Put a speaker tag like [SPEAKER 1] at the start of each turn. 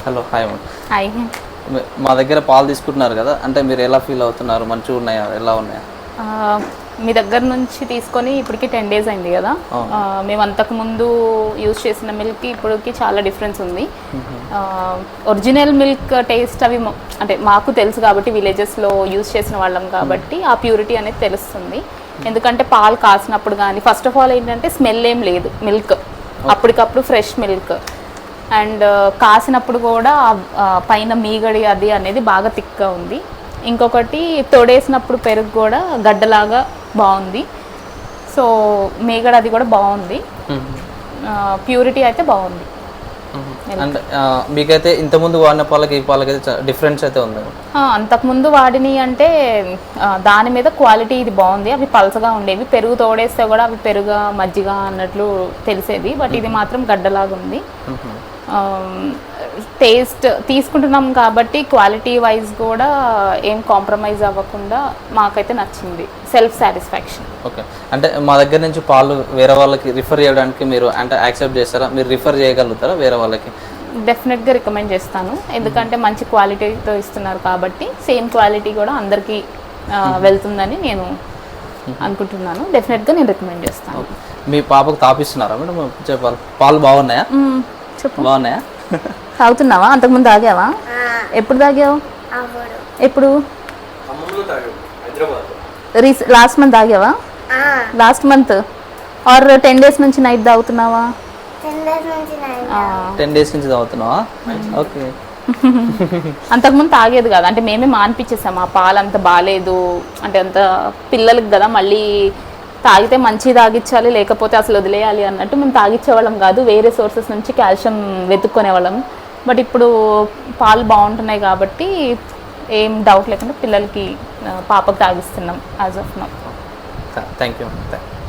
[SPEAKER 1] Hello, hi madam.
[SPEAKER 2] Hi.
[SPEAKER 1] మా దగ్గర పాలు తీసుకుంటున్నారు కదా, అంటే మీరు ఎలా ఫీల్ అవుతున్నారు? మంచిగా ఉన్నాయా, ఎలా ఉన్నాయా?
[SPEAKER 2] మీ దగ్గర నుంచి తీసుకొని ఇప్పటికి 10 days అయింది కదా. మేము అంతకుముందు యూజ్ చేసిన మిల్క్కి ఇప్పటికి చాలా డిఫరెన్స్ ఉంది. ఒరిజినల్ మిల్క్ టేస్ట్ అవి అంటే మాకు తెలుసు కాబట్టి విలేజెస్లో యూజ్ చేసిన వాళ్ళం కాబట్టి ఆ ప్యూరిటీ అనేది తెలుస్తుంది. ఎందుకంటే పాలు కాసినప్పుడు కానీ ఫస్ట్ ఆఫ్ ఆల్ ఏంటంటే స్మెల్ ఏం లేదు, మిల్క్ అప్పటికప్పుడు ఫ్రెష్ మిల్క్. అండ్ కాసినప్పుడు కూడా పైన మీగడి అది అనేది బాగా థిక్గా ఉంది. ఇంకొకటి తోడేసినప్పుడు పెరుగు కూడా గడ్డలాగా బాగుంది. సో మీగడ అది కూడా బాగుంది. ప్యూరిటీ అయితే బాగుంది.
[SPEAKER 1] అండ్ మీకైతే ఇంతకుముందు వాడిన పాలకి ఈ పాలకైతే డిఫరెన్స్ అయితే ఉంది.
[SPEAKER 2] అంతకుముందు వాడిని అంటే దాని మీద క్వాలిటీ ఇది బాగుంది. అవి పలసగా ఉండేవి, పెరుగు తోడేస్తే కూడా అవి పెరుగు మజ్జిగ అన్నట్లు తెలిసేది. బట్ ఇది మాత్రం గడ్డలాగా ఉంది. టేస్ట్ తీసుకుంటున్నాం కాబట్టి క్వాలిటీ వైజ్ కూడా ఏం కాంప్రమైజ్ అవ్వకుండా మాకైతే నచ్చింది. Self satisfaction.
[SPEAKER 1] ఓకే, అంటే మా దగ్గర నుంచి పాలు వేరే వాళ్ళకి రిఫర్ చేయడానికి మీరు అంటే యాక్సెప్ట్ చేస్తారా? మీరు రిఫర్ చేయగలుగుతారా వేరే వాళ్ళకి?
[SPEAKER 2] డెఫినెట్గా రికమెండ్ చేస్తాను. ఎందుకంటే మంచి క్వాలిటీతో ఇస్తున్నారు కాబట్టి సేమ్ క్వాలిటీ కూడా అందరికీ వెళ్తుందని నేను అనుకుంటున్నాను. డెఫినెట్గా నేను రికమెండ్ చేస్తాను.
[SPEAKER 1] మీ పాపకు తాపిస్తున్నారా మేడం? చెప్పాలి, పాలు బాగున్నాయా? బాగున్నాయా?
[SPEAKER 2] తాగుతున్నావా? అంతకుముందు తాగావా? ఎప్పుడు తాగావు? ఎప్పుడు? లాస్ట్ మంత్ తాగావా? లాస్ట్ మంత్ ఆర్ 10 days నుంచి నైట్ తాగుతున్నావా?
[SPEAKER 1] 10 days నుంచి తాగుతున్నావా? ఓకే.
[SPEAKER 2] అంతకుముందు తాగేది కదా, అంటే మేమే మానిపించేసాము. ఆ పాలు అంత బాగాలేదు అంటే అంత పిల్లలకి కదా, మళ్ళీ తాగితే మంచి తాగించాలి లేకపోతే అసలు వదిలేయాలి అన్నట్టు మేము తాగించేవాళ్ళం కాదు. వేరే సోర్సెస్ నుంచి కాల్షియం వెతుక్కునేవాళ్ళం. బట్ ఇప్పుడు పాలు బాగుంటున్నాయి కాబట్టి ఏం డౌట్ లేకుండా పిల్లలకి పాపకు తాగిస్తున్నాం as of now.
[SPEAKER 1] Thank you.